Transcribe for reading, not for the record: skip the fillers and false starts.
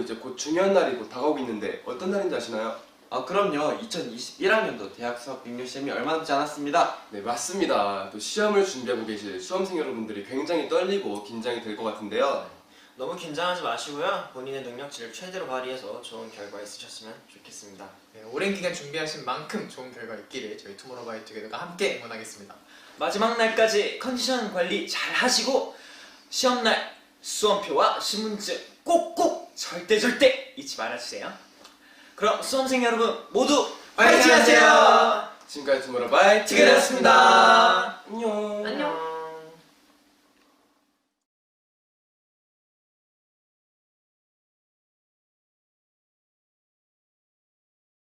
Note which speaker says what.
Speaker 1: 이제 곧 중요한 날이 곧 다가오고 있는데 어떤 날인지 아시나요?
Speaker 2: 아 그럼요. 2021학년도 대학 수학 능력 시험이 얼마 남지 않았습니다.
Speaker 1: 네, 맞습니다. 또 시험을 준비하고 계실 수험생 여러분들이 굉장히 떨리고 긴장이 될 것 같은데요.
Speaker 3: 너무 긴장하지 마시고요. 본인의 능력치를 최대로 발휘해서 좋은 결과 있으셨으면 좋겠습니다.
Speaker 4: 네, 오랜 기간 준비하신 만큼 좋은 결과 있기를 저희 투모로우바이투게더가 함께 응원하겠습니다.
Speaker 3: 마지막 날까지 컨디션 관리 잘 하시고 시험날 수험표와 신분증 꼭꼭 절대 잊지 말아주세요. 그럼 수험생 여러분 모두 파이팅 하세요!
Speaker 1: 지금까지 투모로우바이투게더였습니다.
Speaker 3: 투게더였습니다.
Speaker 1: 안녕.
Speaker 5: 안녕.